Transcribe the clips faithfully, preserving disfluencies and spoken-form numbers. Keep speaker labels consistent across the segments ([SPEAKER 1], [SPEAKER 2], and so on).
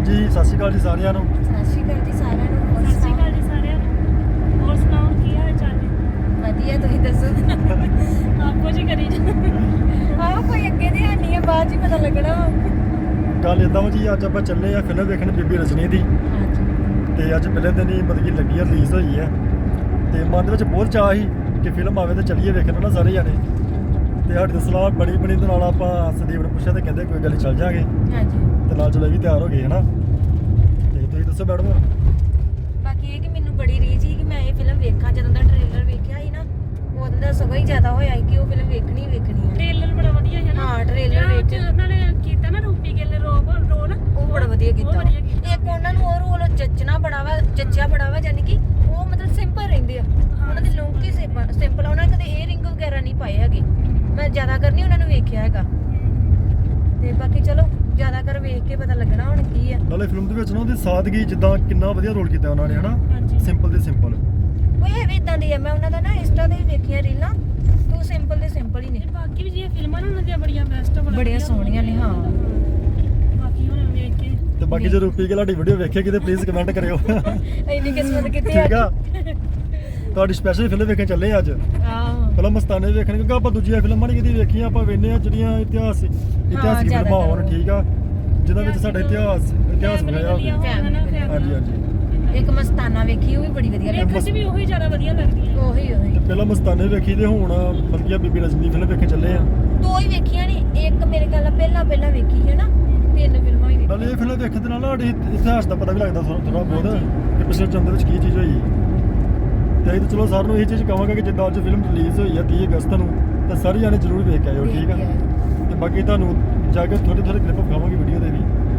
[SPEAKER 1] ਹਾਂਜੀ ਸਤਿ ਸ਼੍ਰੀ ਅਕਾਲ ਜੀ ਸਾਰਿਆਂ ਨੂੰ।
[SPEAKER 2] ਸਤਿ ਸ਼੍ਰੀ ਅਕਾਲ ਜੀ ਸਾਰਿਆਂ ਨੂੰ। ਹੋਰ
[SPEAKER 3] ਸਤਿ ਸ਼੍ਰੀ ਅਕਾਲ ਜੀ ਸਾਰਿਆਂ ਨੂੰ। ਹੋਰ ਸੁਣਾਓ ਕੀ ਹਾਲ ਚਾਲ ਹੈ?
[SPEAKER 2] ਵਧੀਆ, ਤੁਸੀਂ ਦੱਸੋ।
[SPEAKER 3] ਆਪੋ ਜੀ ਕਰੀ ਜਾ।
[SPEAKER 2] ਆਹ ਕੋਈ ਅੱਗੇ ਦੀ ਹਾਨੀ ਹੈ, ਬਾਅਦ 'ਚ ਹੀ ਪਤਾ ਲੱਗਣਾ।
[SPEAKER 1] ਗੱਲ ਇਦਾਂ ਵਾ ਜੀ, ਅੱਜ ਆਪਾਂ ਚੱਲੇ ਆ ਫਿਲਮ ਵੇਖਣ ਬੀਬੀ ਰਜਨੀ ਦੀ। ਤੇ ਅੱਜ ਪਹਿਲੇ ਦਿਨ ਹੀ ਮਤਲਬ ਕਿ ਲੱਗੀ ਆ, ਰਿਲੀਜ਼ ਹੋਈ ਹੈ ਤੇ ਮਨ ਦੇ ਵਿੱਚ ਬਹੁਤ ਚਾਅ ਸੀ ਕਿ ਫਿਲਮ ਆਵੇ ਤੇ ਚੱਲੀਏ ਵੇਖਣ ਨਾ ਸਾਰੇ ਜਾਣੇ। ਤੇ ਸਾਡੀ ਤਾਂ ਸਲਾਹ ਬਣੀ ਬਣੀ ਦੇ ਨਾਲ ਆਪਾਂ ਸੰਦੀਪ ਨੂੰ ਪੁੱਛਿਆ ਤੇ ਕਹਿੰਦੇ ਕੋਈ ਗੱਲ ਨਹੀਂ ਚੱਲ ਜਾਾਂਗੇ।
[SPEAKER 2] ਹਾਂਜੀ।
[SPEAKER 1] ਤੇ ਨਾਲ ਚਲੋ ਇਹ ਵੀ ਤਿਆਰ ਹੋ ਗਏ ਹੈ ਨਾ। ਤੇ ਤੁਸੀਂ ਦੱਸੋ ਮੈਡਮ।
[SPEAKER 2] ਬਾਕੀ ਇਹ ਕਿ ਮੈਨੂੰ ਬੜੀ ਰੀਝ ਸੀ ਕਿ ਮੈਂ ਇਹ ਫਿਲਮ ਵੇਖਾਂ। ਜਦੋਂ ਦਾ ਟ੍ਰੇਲਰ ਵੇਖਿਆ ਸੀ ਨਾ, ਉਦੋਂ ਦਾ ਸਗੋਂ ਹੀ ਜ਼ਿਆਦਾ ਹੋਇਆ ਸੀ ਕਿ ਉਹ ਫਿਲਮ ਵੇਖਣੀ ਵੇਖਣੀ ਹੈ।
[SPEAKER 3] ਟ੍ਰੇਲਰ ਬੜਾ ਵਧੀਆ ਹੈ ਨਾ।
[SPEAKER 2] ਹਾਂ, ਟ੍ਰੇਲਰ
[SPEAKER 3] ਵਿੱਚ
[SPEAKER 2] ਵੇਖ
[SPEAKER 3] ਉਹਨਾਂ ਨੇ ਕੀਤਾ ਨਾ ਰੂਪੀ ਗਿੱਲ ਰੋਲ ਰੋਲ
[SPEAKER 2] ਉਹ ਬੜਾ ਵਧੀਆ ਕੀਤਾ।
[SPEAKER 3] ਉਹ ਵਧੀਆ ਕੀਤਾ।
[SPEAKER 2] ਇੱਕ ਉਹਨਾਂ ਨੂੰ ਉਹ ਰੋਲ ਜੱਚਣਾ ਬੜਾ ਵਾ, ਜੱਚਿਆ ਬੜਾ ਵਾ, ਯਾਨੀ ਕਿ ਉਹ ਮਤਲਬ ਸਿੰਪਲ ਰਹਿੰਦੇ ਆ। ਉਹਨਾਂ ਦੀ ਲੁੱਕ ਹੀ ਸਿੰਪਲ, ਉਹਨਾਂ ਨੇ ਕਦੇ ਏਅਰਿੰਗ ਵਗੈਰਾ ਨਹੀਂ ਪਾਏ ਹੈਗੇ। ਮੈਂ ਜ਼ਿਆਦਾ ਕਰ ਨਹੀਂ ਉਹਨਾਂ ਨੂੰ ਵੇਖਿਆ ਹੈਗਾ। ਤੇ ਬਾਕੀ ਚਲੋ ਜ਼ਿਆਦਾ ਕਰ ਵੇਖ ਕੇ ਪਤਾ ਲੱਗਣਾ ਹੁਣ ਕੀ ਆ।
[SPEAKER 1] ਨਾਲੇ ਫਿਲਮ ਦੇ ਵਿੱਚ ਨਾ ਉਹਦੀ ਸਾਦਗੀ, ਜਿੱਦਾਂ ਕਿੰਨਾ ਵਧੀਆ ਰੋਲ ਕੀਤਾ ਉਹਨਾਂ ਨੇ ਹਨਾ। ਸਿੰਪਲ ਤੇ ਸਿੰਪਲ
[SPEAKER 2] ਉਹ ਇਹ ਵੀ ਇਦਾਂ ਦੀ ਆ। ਮੈਂ ਉਹਨਾਂ ਦਾ ਨਾ ਇੰਸਟਾ ਤੇ ਵੇਖਿਆ ਰੀਲਾਂ, ਤੂੰ ਸਿੰਪਲ ਤੇ ਸਿੰਪਲ ਹੀ ਨੇ।
[SPEAKER 3] ਬਾਕੀ ਵੀ ਜਿਹੜੀਆਂ ਫਿਲਮਾਂ ਨੇ ਉਹਨਾਂ ਦੀਆਂ ਬੜੀਆਂ ਬੈਸਟ
[SPEAKER 2] ਬੜੀਆਂ ਸੋਹਣੀਆਂ ਨੇ। ਹਾਂ,
[SPEAKER 3] ਬਾਕੀ ਹੁਣ ਵੇਖ ਕੇ
[SPEAKER 1] ਤੇ ਬਾਕੀ ਜੇ ਰੂਪੀ ਗਿੱਲ ਸਾਡੀ ਵੀਡੀਓ ਵੇਖੇ ਕਿਤੇ ਪਲੀਜ਼ ਕਮੈਂਟ ਕਰਿਓ।
[SPEAKER 2] ਇੰਨੀ ਕਿਸਮਤ ਕਿੱਥੇ ਆ।
[SPEAKER 1] ਠੀਕ ਆ, ਤੁਹਾਡੀ ਸਪੈਸ਼ਲ ਫਿਲਮ ਵੇਖਣ ਚੱਲੇ ਆ ਅੱਜ।
[SPEAKER 2] ਆਹੋ,
[SPEAKER 1] ਪਹਿਲਾਂ ਮਸਤਾਨੇ ਵੇਖਣ, ਕਿਉਂਕਿ ਆਪਾਂ ਦੂਜੀਆਂ ਫਿਲਮਾਂ ਨਹੀਂ ਕਦੀ ਵੇਖੀਆਂ। ਆਪਾਂ ਵੇਖਦੇ ਆ ਜਿਹੜੀਆਂ ਇਤਿਹਾਸ ਇਤਿਹਾਸਿਕ ਫਿਲਮਾਂ ਹੋਣ। ਠੀਕ ਆ, ਜਿਹਨਾਂ ਵਿੱਚ ਸਾਡਾ ਇਤਿਹਾਸ ਇਤਿਹਾਸ ਵਿਖਾਇਆ ਹੋਵੇ। ਹਾਂਜੀ ਹਾਂਜੀ।
[SPEAKER 2] ਇੱਕ ਮਸਤਾਨਾ ਵੇਖੀ, ਉਹ ਵੀ ਬੜੀ ਵਧੀਆ ਲੱਗੀ।
[SPEAKER 3] ਵੇਖਣ 'ਚ ਵੀ ਉਹੀ ਜ਼ਿਆਦਾ ਵਧੀਆ ਲੱਗਦੀਆਂ।
[SPEAKER 2] ਉਹੀ ਉਹੀ
[SPEAKER 1] ਤੇ ਪਹਿਲਾਂ ਮਸਤਾਨੇ ਵੇਖੀ ਤੇ ਹੁਣ ਮਤਲਬ ਕਿ ਬੀਬੀ ਰਜਨੀ ਫਿਲਮ ਵੇਖਣ ਚੱਲੇ ਆ।
[SPEAKER 2] ਦੋ ਹੀ ਵੇਖੀਆਂ ਨੇ। ਇੱਕ ਮੇਰੇ ਖਿਆਲ ਨਾਲ ਪਹਿਲਾਂ ਪਹਿਲਾਂ ਵੇਖੀ ਹੈ ਨਾ। ਤਿੰਨ ਫਿਲਮਾਂ ਹੀ
[SPEAKER 1] ਨਾਲੇ ਇਹ ਫਿਲਮ ਵੇਖਣ ਦੇ ਨਾਲ ਸਾਡੇ ਇਤਿਹਾਸ ਦਾ ਪਤਾ ਵੀ ਲੱਗਦਾ ਥੋੜਾ ਬਹੁਤ ਕਿ ਪਿਛਲੇ ਜਨਮ ਦੇ ਵਿੱਚ ਕੀ ਚੀਜ਼ ਹੋਈ। ਤੇ ਅਸੀਂ ਤਾਂ ਚਲੋ ਸਾਰਿਆਂ ਨੂੰ ਇਹ ਚੀਜ਼ ਕਹਾਂਗੇ ਕਿ ਜਿੱਦਾਂ ਅੱਜ ਫਿਲਮ ਰਿਲੀਜ਼ ਹੋਈ ਹੈ ਤੀਹ ਅਗਸਤ ਨੂੰ, ਤਾਂ ਸਾਰੇ ਜਾਣੇ ਜ਼ਰੂਰ ਵੇਖ ਕੇ ਆਇਓ। ਠੀਕ ਆ, ਤੇ ਬਾਕੀ ਤੁਹਾਨੂੰ ਜਾ ਕੇ ਥੋੜੇ ਥੋੜੇ ਕਲਿੱਪ ਵਿਖਾਵਾਂਗੇ ਵੀਡੀਓ ਦੇ ਵੀ।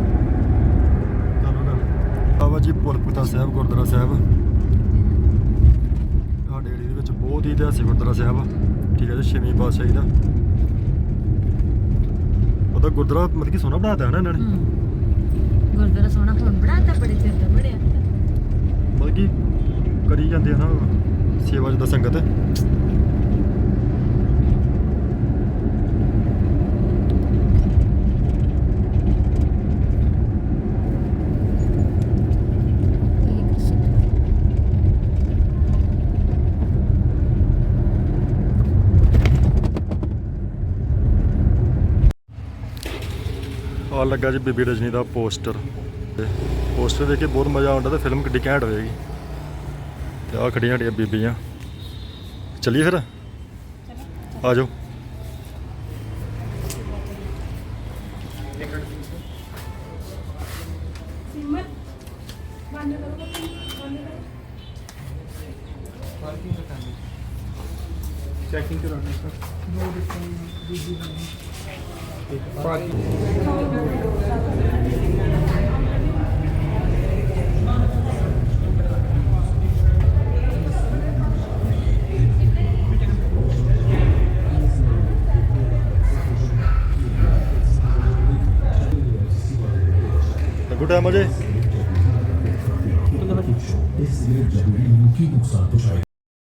[SPEAKER 1] ਬਾਬਾ ਜੀ ਭੋਲਪੁਤਾ ਸਾਹਿਬ ਗੁਰਦੁਆਰਾ ਸਾਹਿਬ ਸਾਡੇ ਏਰੀਏ ਦੇ ਵਿੱਚ ਬਹੁਤ ਹੀ ਇਤਿਹਾਸਿਕ ਗੁਰਦੁਆਰਾ ਸਾਹਿਬ ਆ। ਠੀਕ ਹੈ ਜੀ, ਛੇਵੀਂ ਪਾਤਸ਼ਾਹੀ ਦਾ ਉਹਦਾ ਗੁਰਦੁਆਰਾ ਮਤਲਬ ਕਿ ਸੋਹਣਾ ਬਣਾਤਾ ਹੈ ਨਾ ਇਹਨਾਂ ਨੇ।
[SPEAKER 2] ਗੁਰਦੁਆਰਾ ਸੋਹਣਾ ਹੁਣ ਬਣਾਤਾ, ਬੜੇ ਚਿਰ ਦਾ ਬਣਿਆ।
[SPEAKER 1] ਮਤਲਬ ਕਿ ਕਰੀ ਜਾਂਦੇ ਆ ਨਾ ਸੇਵਾ ਜਿੱਦਾਂ ਸੰਗਤ। ਆ ਲੱਗਾ ਜੀ ਬੀਬੀ ਰਜਨੀ ਦਾ ਪੋਸਟਰ। ਪੋਸਟਰ ਦੇਖ ਕੇ ਬਹੁਤ ਮਜ਼ਾ ਆਉਂਦਾ ਤੇ ਫਿਲਮ ਕਿੱਡੀ ਘੈਂਟ ਹੋਏਗੀ। ਤੇ ਆ ਖੜੀਆਂ ਸਾਡੀਆਂ ਬੀਬੀਆਂ। ਚੱਲੀਏ ਫਿਰ, ਆ ਜਾਓ।
[SPEAKER 4] चेकिंग कराना sir. No discount
[SPEAKER 1] good time Ajay.
[SPEAKER 5] इसलिए जरूरी मुख्य नुकसान पहुंचाए।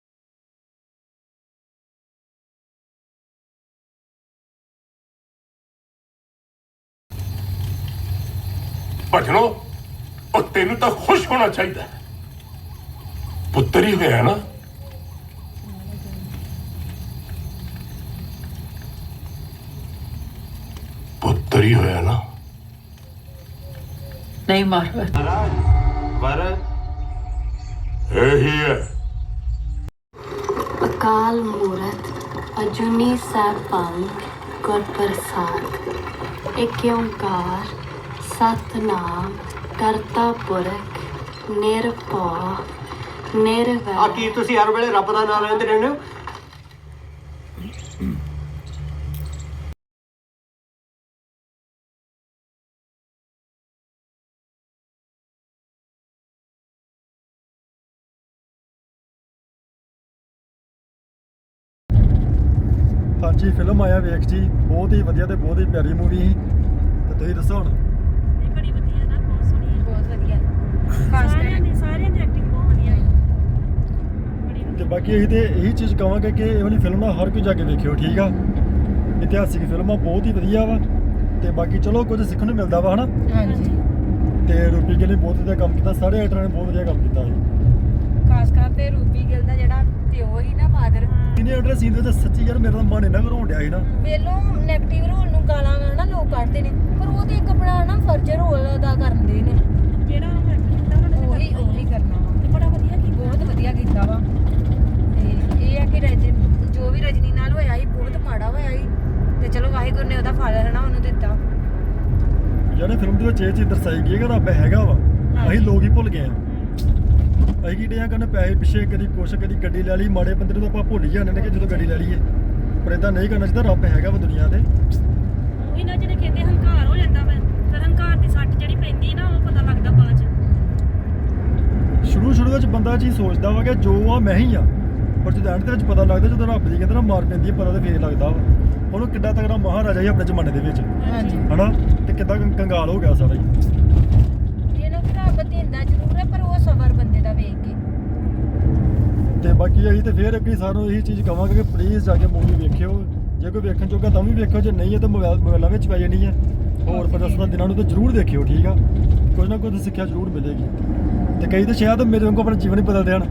[SPEAKER 6] ਭਜਨੋ ਉਹ ਤੈਨੂੰ ਤਾਂ ਖੁਸ਼ ਹੋਣਾ ਚਾਹੀਦਾ। ਪੁੱਤਰ ਹੀ ਹੋਇਆ ਨਾ। ਪੁੱਤਰ ਹੀ ਹੋਇਆ ਨਾ।
[SPEAKER 7] ਨਹੀਂ ਮਾਰਵਾ
[SPEAKER 6] ਵਰ ਇਹੀ ਹੈ।
[SPEAKER 8] ਅਕਾਲ ਮੂਰਤ ਅਜੂਨੀ ਸਾਹਿਬਾਨ ਗੁਰ ਪ੍ਰਸਾਦ। ਏਕ ਓੰਕਾਰ ਸਤਨਾਮ ਕਰਤਾ ਪੁਰਖ ਨਿਰਭਉ ਨਿਰਵੈਰ।
[SPEAKER 4] ਆ ਕੀ ਤੁਸੀਂ ਹਰ ਵੇਲੇ ਰੱਬ ਦਾ ਨਾਮ ਲੈਂਦੇ ਰਹਿੰਦੇ ਹੋ?
[SPEAKER 1] ਹਾਂਜੀ, ਫਿਲਮ ਆਇਆ ਵੇਖ ਜੀ, ਬਹੁਤ ਹੀ ਵਧੀਆ ਤੇ ਬਹੁਤ ਹੀ ਪਿਆਰੀ ਮੂਵੀ ਸੀ। ਤੇ ਤੁਸੀਂ ਦੱਸੋ ਹੁਣ।
[SPEAKER 3] ਇਹ ਬੜੀ ਵਧੀਆ ਨਾ, ਬਹੁਤ ਸੋਹਣੀ ਹੈ।
[SPEAKER 2] ਬਹੁਤ ਵਧੀਆ। ਖਾਸ
[SPEAKER 3] ਸਾਰਿਆਂ
[SPEAKER 2] ਕਰਕੇ
[SPEAKER 3] ਦੀ ਸਾਰਿਆਂ ਦੀ ਐਕਟਿੰਗ ਬਹੁਤ ਵਧੀਆ ਹੈ। ਬੜੀ
[SPEAKER 1] ਤੇ
[SPEAKER 3] ਵਧੀਆ।
[SPEAKER 1] ਬਾਕੀ ਅਸੀਂ ਤੇ ਇਹੀ ਚੀਜ਼ ਕਹਾਂਗੇ ਕਿ ਇਹ ਵਾਲੀ ਫਿਲਮ ਨਾ ਹਰ ਕੋਈ ਜਾ ਕੇ ਵੇਖਿਓ। ਠੀਕ ਆ, ਇਤਿਹਾਸਿਕ ਫਿਲਮਾਂ ਬਹੁਤ ਹੀ ਵਧੀਆ ਵਾ। ਤੇ ਬਾਕੀ ਚਲੋ ਕੁਝ ਸਿੱਖਣ ਨੂੰ ਮਿਲਦਾ ਵਾ ਹਨਾ।
[SPEAKER 2] ਹਾਂਜੀ।
[SPEAKER 1] ਤੇ ਰੂਪੀ ਗਿੱਲ ਨੇ ਬਹੁਤ ਵਧੀਆ ਕੰਮ ਕੀਤਾ, ਸਾਰੇ ਐਕਟਰਾਂ ਨੇ ਬਹੁਤ ਵਧੀਆ ਕੰਮ ਕੀਤਾ ਸੀ।
[SPEAKER 2] ਖਾਸ ਕਰ ਤੇ ਰੂਪੀ ਗਿੱਲ ਦਾ ਜਿਹੜਾ ਪਿਓ ਹੀ ਨਾ ਫਾਦਰ,
[SPEAKER 1] ਇਹਨੇ ਐਕਟਰ ਸੀਨ ਦੇ ਵਿੱਚ ਸੱਚੀ ਯਾਰ ਮੇਰਾ ਤਾਂ ਮਨ ਇੰਨਾ ਘਰੋਂ ਡਿਆ ਸੀ ਨਾ।
[SPEAKER 2] ਵੇਲੋਂ ਨੈਗੇਟਿਵ ਰੋਲ ਨੂੰ ਗਾਲਾਂ ਨਾ ਲੋਕ ਕੱਢਦੇ ਨੇ, ਪਰ ਉਹ ਤੇ ਇੱਕ ਆਪਣਾ ਨਾ ਫਰਜ਼ ਰੋਲ ਅਦਾ ਕਰਦੇ ਨੇ,
[SPEAKER 3] ਜਿਹੜਾ ਉਹ ਐਕਟ ਕੀਤਾ ਉਹਨਾਂ ਨੇ
[SPEAKER 2] ਉਹੀ ਉਹੀ ਕਰਨਾ ਵਾ।
[SPEAKER 3] ਤੇ ਬੜਾ ਵਧੀਆ ਕੀਤਾ।
[SPEAKER 2] ਬਹੁਤ ਵਧੀਆ ਕੀਤਾ ਵਾ। ਤੇ ਇਹ ਆ ਕਿ ਰਜ ਜੋ ਵੀ ਰਜਨੀ ਨਾਲ ਹੋਇਆ ਸੀ ਬਹੁਤ ਮਾੜਾ ਹੋਇਆ ਸੀ, ਤੇ ਚਲੋ ਵਾਹਿਗੁਰੂ ਨੇ ਉਹਦਾ ਫਲ ਹਨਾ ਉਹਨੂੰ ਦਿੱਤਾ।
[SPEAKER 1] ਯਾਰ ਫਿਲਮ ਦੇ ਵਿੱਚ ਇਹ ਚੀਜ਼ ਦਰਸਾਈ ਗਈ ਹੈ ਕਿ ਰੱਬ ਹੈਗਾ ਵਾ, ਅਸੀਂ ਲੋਕ ਹੀ ਭੁੱਲ ਗਏ ਆ। ਅਸੀਂ ਕੀ ਡਿਆਂ ਕਰਨ ਪੈਸੇ ਪਿੱਛੇ, ਕਦੀ ਕੁਛ ਕਦੀ ਗੱਡੀ ਲੈ ਲਈ, ਮਾੜੇ ਬੰਦੇ ਨੂੰ ਤਾਂ ਆਪਾਂ ਭੁੱਲ ਹੀ ਜਾਂਦੇ ਨੇ ਕਿ ਜਦੋਂ ਗੱਡੀ ਲੈ ਲਈਏ, ਪਰ ਇਦਾਂ ਨਹੀਂ ਕਰਨਾ ਚਾਹੀਦਾ। ਰੱਬ ਹੈਗਾ ਵਾ ਦੁਨੀਆ ਤੇ।
[SPEAKER 3] ਉਹੀ ਨਾ ਜਿਹੜੇ ਕਹਿੰਦੇ ਹੰਕਾਰ ਹੋ ਜਾਂਦਾ ਵਾ, ਫਿਰ ਹੰਕਾਰ ਦੀ ਸੱਟ ਜਿਹੜੀ ਪੈਂਦੀ ਨਾ ਉਹ ਪਤਾ ਲੱਗਦਾ ਬਾਅਦ ਚ।
[SPEAKER 1] ਸ਼ੁਰੂ ਸ਼ੁਰੂ ਵਿੱਚ ਬੰਦਾ ਚੀਜ਼ ਸੋਚਦਾ ਵਾ ਕਿ ਜੋ ਆ ਮੈਂ ਹੀ ਆ, ਪਰ ਜਦੋਂ ਐਂਡ ਦੇ ਵਿੱਚ ਪਤਾ ਲੱਗਦਾ, ਜਦੋਂ ਰੱਬ ਦੀ ਕਹਿੰਦੇ ਨਾ ਮਾਰ ਪੈਂਦੀ ਹੈ, ਪਤਾ ਤਾਂ ਫੇਰ ਲੱਗਦਾ ਵਾ ਉਹਨੂੰ ਕਿੱਡਾ ਤਗੜਾ ਮਹਾਰਾਜਾ ਹੀ ਆਪਣੇ ਜ਼ਮਾਨੇ ਦੇ ਵਿੱਚ,
[SPEAKER 2] ਹਾਂਜੀ
[SPEAKER 1] ਹਨਾ, ਤੇ ਕਿੱਦਾਂ ਕੰ- ਕੰਗਾਲ ਹੋ ਗਿਆ ਸਾਰਾ ਹੀ।
[SPEAKER 2] ਇਹ ਨਾ ਕਿ ਰੱਬ ਦਿੰਦਾ ਜ਼ਰੂਰ ਹੈ, ਪਰ ਉਹ ਸਬਰ ਬੰਦੇ ਦਾ ਵੇਖ ਕੇ।
[SPEAKER 1] ਤੇ ਬਾਕੀ ਅਸੀਂ ਤੇ ਫੇਰ ਅੱਗੇ ਸਾਰਿਆਂ ਨੂੰ ਇਹੀ ਚੀਜ਼ ਕਵਾਂਗੇ ਕਿ ਪਲੀਜ਼ ਜਾ ਕੇ ਮੂਵੀ ਵੇਖਿਓ, ਜੇ ਕੋਈ ਵੇਖਣ ਜੋਗਾ ਤਾਂ ਵੀ ਵੇਖਿਓ, ਜੇ ਨਹੀਂ ਹੈ ਤਾਂ ਮੋਬਾਈਲ ਮੋਬਾਈਲਾਂ ਵਿੱਚ ਪੈ ਜਾਣੀ ਹੈ। ਹੋਰ ਪ੍ਰਦਰਸ਼ਨ ਦਿਨਾਂ ਨੂੰ ਤਾਂ ਜ਼ਰੂਰ ਦੇਖਿਓ, ਠੀਕ ਆ, ਕੁਝ ਨਾ ਕੁਝ ਸਿੱਖਿਆ ਜ਼ਰੂਰ ਮਿਲੇਗੀ। ਤੇ ਕਈ ਤਾਂ ਸ਼ਾਇਦ ਮੇਰੇ ਵਾਂਗੂ ਆਪਣਾ ਜੀਵਨ ਹੀ ਬਦਲ ਦੇਣ।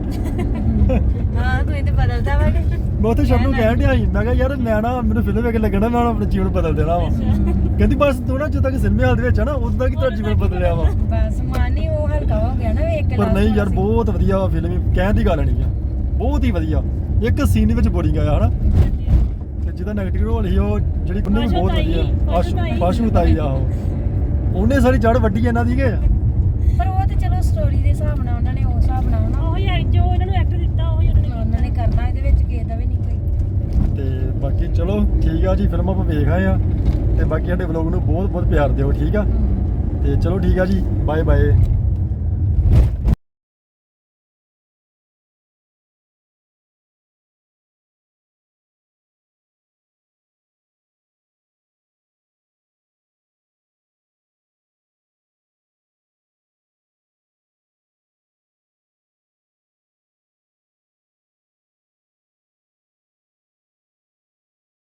[SPEAKER 2] ਹਾਂ ਤੂੰ ਤੇ ਬਦਲਦਾ ਵਾ।
[SPEAKER 1] ਮੈਂ ਉੱਥੇ ਸ਼ਬ ਨੂੰ ਕਹਿਣ ਡਿਆ ਸੀ, ਮੈਂ ਕਿਹਾ ਯਾਰ ਮੈਂ ਨਾ ਮੈਨੂੰ ਫਿਲਮ ਵੇਖ ਕੇ ਲੱਗਣਾ ਮੈਂ ਆਪਣਾ ਜੀਵਨ ਬਦਲ ਦੇਣਾ ਵਾ। ਕਹਿੰਦੀ ਬਸ ਤੂੰ ਨਾ ਜਦੋਂ ਤੱਕ ਸਿਨੇਮੇ ਹਾਲ ਦੇ ਵਿੱਚ ਆ ਨਾ ਉਦੋਂ ਤੱਕ ਤੇਰਾ ਜੀਵਨ ਬਦਲਿਆ ਵਾ।
[SPEAKER 2] ਬਸ ਮਨ ਹੀ ਉਹ ਹਲਕਾ ਹੋ ਗਿਆ ਨਾ ਵੇਖ ਕੇ।
[SPEAKER 1] ਪਰ ਨਹੀਂ ਯਾਰ ਬਹੁਤ ਵਧੀਆ ਵਾ ਫਿਲਮ, ਕਹਿਣ ਦੀ ਗੱਲ ਨਹੀਂ ਆ, ਬਹੁਤ ਹੀ ਵਧੀਆ। ਇੱਕ ਸੀਨ ਵਿੱਚ ਬੋਰਿੰਗ ਆਇਆ ਹਨਾ, ਤੇ ਜਿਹਦਾ ਨੈਗੇਟਿਵ ਰੋਲ ਸੀ ਉਹ ਜਿਹੜੀ ਉਹਨੇ ਵੀ ਬਹੁਤ ਵਧੀਆ ਆਸ਼ੂ ਪਾਸ਼ੂ ਤਾਈ ਆ, ਉਹ ਉਹਨੇ ਸਾਰੀ ਜੜ ਵੱਡੀ ਇਹਨਾਂ ਦੀ ਕੇ।
[SPEAKER 2] ਪਰ ਉਹ ਤੇ ਚਲੋ ਸਟੋਰੀ ਦੇ ਹਿਸਾਬ ਨਾਲ ਉਹਨਾਂ ਨੇ ਉਸ ਹਿਸਾਬ ਨਾਲ ਨਾ
[SPEAKER 3] ਉਹੀ ਐ ਜੋ ਇਹਨਾਂ ਨੂੰ ਐਕਟ ਦਿੱਤਾ ਉਹੀ ਉਹਨਾਂ ਨੇ
[SPEAKER 2] ਉਹਨਾਂ ਨੇ ਕਰਨਾ, ਇਹਦੇ ਵਿੱਚ ਕਿਸੇ ਦਾ ਵੀ ਨਹੀਂ ਕੋਈ।
[SPEAKER 1] ਤੇ ਬਾਕੀ ਚਲੋ ਠੀਕ ਆ ਜੀ, ਫਿਲਮ ਆਪਾਂ ਵੇਖ ਆਏ ਆ, ਤੇ ਬਾਕੀ ਸਾਡੇ ਵਲੋਗ ਨੂੰ ਬਹੁਤ ਬਹੁਤ ਪਿਆਰ ਦਿਓ, ਠੀਕ ਆ। ਤੇ ਚਲੋ ਠੀਕ ਆ ਜੀ, ਬਾਏ ਬਾਏ।